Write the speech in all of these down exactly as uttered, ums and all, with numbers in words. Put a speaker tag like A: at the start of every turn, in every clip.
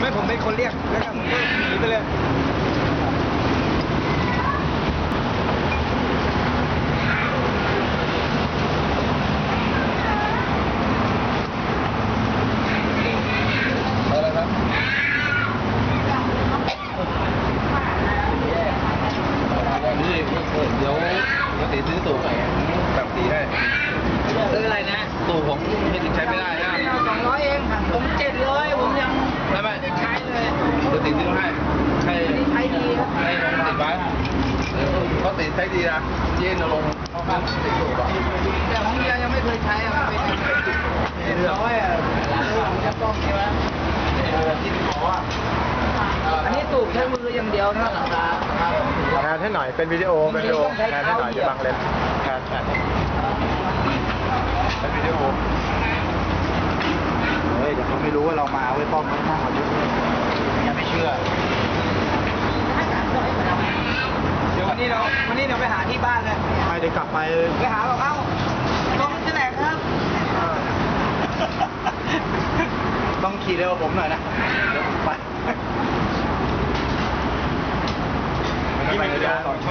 A: ไม่ผมเป็นคนเรียกแล้วก็ผมก็หนีไปเลย
B: อะไรครับนี่เดี๋ยวปกติซื้อตู่แบบสีให้ซื้ออะไรนะตู่ผมไม่ติดใช้ไม่ได้นะ
A: สองร้อยเองผมเจ็ดร้อยผมยัง
B: ไม่ไม่
A: ใช้เลย
B: ปกติซื้อให้ให้
A: ใช้ดีครับ
B: ให้ลงติดไว้เขาติดใช้ดีนะเย็นลงเข้าบ้านติดตู่ก่อน
A: แต่ของเมียยังไม่เคยใช้อะเป็นเจ็ดร้อยอะจะต้องใช่ไหมอันนี้ตูบใช้มืออย่างเดียวนะหลังคา
C: แทนให้หน่อยเป็นวิดีโอเป็นวิดีโอแทนให้หน่อยจะบังเลนแทนแทนเป็นวิดีโอเฮ้ยเดี๋ยวเขาไม่รู้ว่าเรามาไว้ป้อมไว้หน้าเขาด้วยยังไม่เชื่อ
A: เดี๋ยววันนี้เราวันนี้เราไปหาที่บ้านเลย
C: ไม่ได้กลับไป
A: ไปหาบอกเอ้าลงที่ไหนครับ
C: ต้องขี่เร็วกว่าผมหน่อยนะเดี๋ยวผมไปไม่ไปเลยสองชุด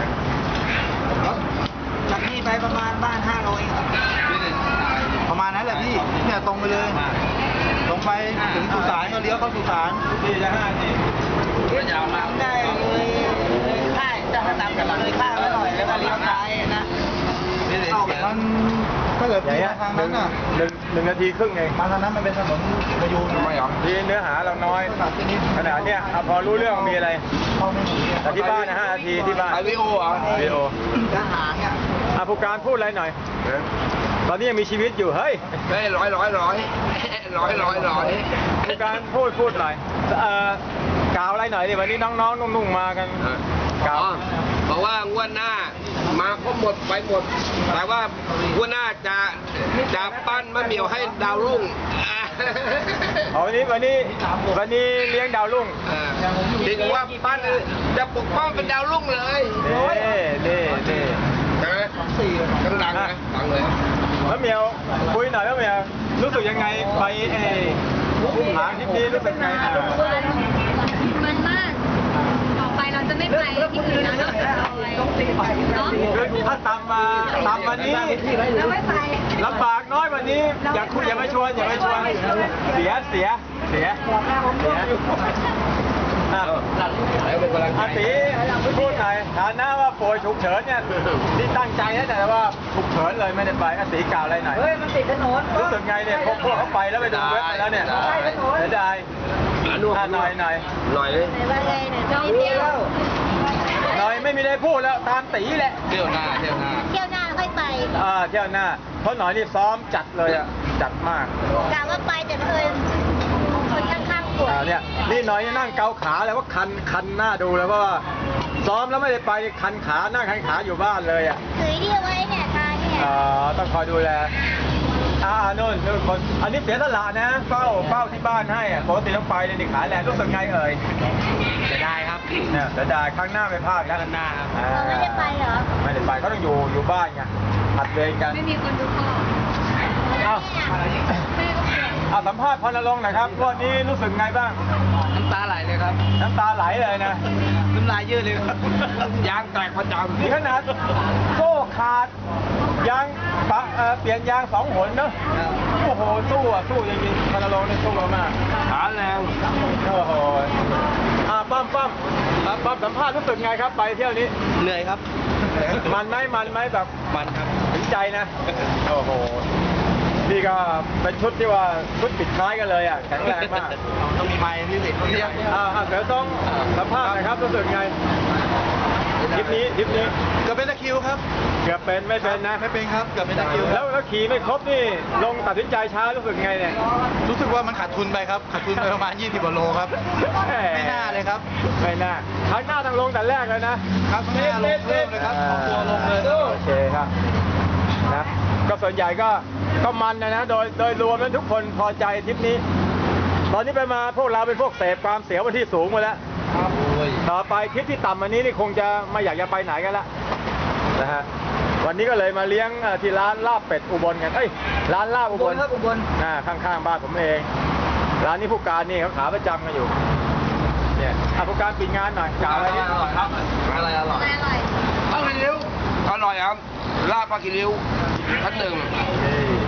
A: จากนี่ไปประมาณบ้านห้าโลเองครับ
C: ประมาณนั้นแหละพี่เนี่ยตรงไปเลยตรงไปถึงสุสานก็เลี้ยวเข้าสุสานสี่จะห้าสี่
A: ยาวมากได้เลยค่ายจะตามกันเลยค่ายไว้หน่อยแล้วก็เลี้ยวซ้ายนะเอาแบบ
C: มันถ้าเกิดพี่มาทางนั้นน่ะ
D: หนึ่งหนึ่งนาทีครึ่งเอง
C: มาทางนั้นมันเป็นถนนประยูน
B: ไม่หรอ
D: ทีเนื้อหาเราน้อยขนาดเนี้ยเอาพอรู้เรื่องมีอะไร
C: เข้าไม่ถึง
D: แต่ที่บ้านนะห้านาทีที่บ้าน
B: ไอวิโออ่ะ
D: วิดีโอ
A: ทหารเนี่ย
D: อ่ะผู้การพูดอะไรหน่อย ตอนนี้ยังมีชีวิตอยู่เฮ้ย
B: ได้ร้อยร้อยร้อยร้อยร้อยร้อย
D: ผู้การพูดพูดหน่อยเอ่อกล่าวอะไรหน่อยดิวันนี้น้องๆนุ่งๆมากันกล่าว
B: บอกว่างวดหน้ามาครบหมดไปหมดแต่ว่างวดหน้าจะจะปั้นมะเหมี่ยวให้ดาวรุ่ง
D: เอาวันนี้วันนี้วันนี้เลี้ยงดาวรุ่ง
B: ถึงว่าปั้นจะปกป้องเป็นดาวรุ่งเลย
D: นี่นี่นี่
B: ใช่ไหมดังๆนะดังเลย
D: แล้วเหมียวคุยหน่อยแล้วเหมียวรู้สึกยังไงไปเออุ้มหางทริปนี้รู้สึกไงอ่ะ
E: มันมาก ต่อไปเราจะไม่ไปที่อื่นแล้วนอกจากเราเนาะ
D: คือถ้าตามมาตามวันนี้
E: เราไม่ไป
D: ลำบากน้อยวันนี้อย่าคุยอย่ามาชวนอย่ามาชวนเสียเสียเสียเสียอ่ะอาตีพูดหน่อยฐานะว่าป่วยฉุกเฉินเนี่ยที่ตั้งใจนะแต่ว่าฉุกเฉินเลยไม่ได้ไปอาตีกล่าวอะไรหน่อย
A: เฮ้ยมันติดถนน
D: รู้สึกไงเนี่ยพวกพวกเขาไปแล้วไปดูเว็บไปแล้วเนี่ยเสียดายอ่ะหน่อยหน่อย
B: หน่อยเลย
E: ไหนว่าไงเนี่ยจะไปเที่ยว
D: หน่อยไม่มีได้พูดแล้วตามตีแหละ
B: เที่ยวหน้าเที่ยวหน้า
E: เที่ยวหน้าค่อยไป
D: อ่าเที่ยวหน้าเพราะหน่อยนี่ซ้อมจัดเลยอ่ะจัดมาก
E: กะว่าไปแต่เพิ่นคนข้างๆป่วย
D: อ่าเนี่ยนี่หน่อยนั่งเกาขาเลยว่าคันคันหน้าดูเลยเพราะว่าซ้อมแล้วไม่ได้ไปคันขานั่งคันขาอยู่บ้านเลยอ่ะ
E: ถือที่เอาไว้เนี่ยทางเนี่ย
D: อ่าต้องคอยดูแลอ่านู่นนู่นคนอันนี้เสียสละนะเฝ้าเฝ้าที่บ้านให้อ่ะปกติต้องไปเลยนี่ขาแรงรู้สึกไงเอ่ย
B: จะได้ครับ
D: เนี่ยเสียดายครั้งหน้าไม่พลาดแล้ว
B: ครั้งหน้าครับ
D: อ่
E: เราไม่ได้ไปเหรอ
D: ไม่ได้ไปเขาต้องอยู่อยู่บ้านไงผัดเวรกัน
E: ไม่มีคนดูพ่อ
D: เอ้า
E: แม่ก็ป่วย
D: เอาสัมภาษณ์พรณรงค์หน่อยครับวันนี้รู้สึกไงบ้าง
A: น้ำตาไหลเลยครับ
D: น้ำตาไหลเลยนะ
A: น้ำลายยืดเลยครับ
B: ยางแตกประจำ
D: นี่ขนาดโซ่ขาดยางปะเอ่อเปลี่ยนยางสองหนเนอะโอ้โหสู้อ่ะสู้จริงๆพรณรงค์นี่สู้มาก
B: ขาแรง
D: โอ้โหอ่าป้อมป้อมอ่าป้อมสัมภาษณ์รู้สึกไงครับไปเที่ยวนี้
B: เหนื่อยครับ
D: มันไหมมันไหมแบบ
B: มันครับ
D: ถึงใจนะโอ้โหนี่ก็เป็นชุดที่ว่าชุดปิดท้ายกันเลยอ่ะแข็งแรงมาก
C: ต้องมีไม้ที่สิต้องมี
D: อ่าอ่าเดี๋ยวต้องสัมภาษณ์หน่อยครับรู้สึกไงทริปนี้ทริปนี้
C: เกือบเป็นตะคริวครับ
D: เกือบเป็นไม่เป็นนะ
C: ไม่เป็นครับเกือบเป็นตะคริว
D: แล้วแล้วขี่ไม่ครบนี่ลงตัดสินใจช้ารู้สึกไงเนี่ย
C: รู้สึกว่ามันขาดทุนไปครับขาดทุนไปประมาณยี่สิบกว่าโลครับ ไม่น่าเลยครับ
D: ไม่น่าครั้งหน้าต้องลงแต่แรกเลยนะครับ
C: ข้างหน้าลงเพิ่มเลยครับเอาตัวลงเลย
D: โอเคครับนะก็ส่วนใหญ่ก็ก็มันนะนะโดยโดยรวมแล้วทุกคนพอใจทริปนี้ ตอนนี้ไปมาพวกเราเป็นพวกเสพความเสียวมาที่สูงมาแล้วต่อไปทริปที่ต่ำอันนี้นี่คงจะไม่อยากจะไปไหนกันละนะฮะวันนี้ก็เลยมาเลี้ยงเอ่อที่ร้านลาบเป็ดอุบลกันเอ้ยร้านลาบอุบล
A: ครับอุบล
D: อ่าข้างๆบ้านผมเองร้านนี้ผู้การนี่เขาขาประจำกันอยู่เนี่ยอ่ะผู้การปิดงานหน่อยกล่าวอะไรนิด
B: ครับอะไรอร่อย
E: อะไรอร่อย
A: ปลากิริ้วอร่อยครับลาบปลากิริ้วชั้นหนึ่ง
D: นี่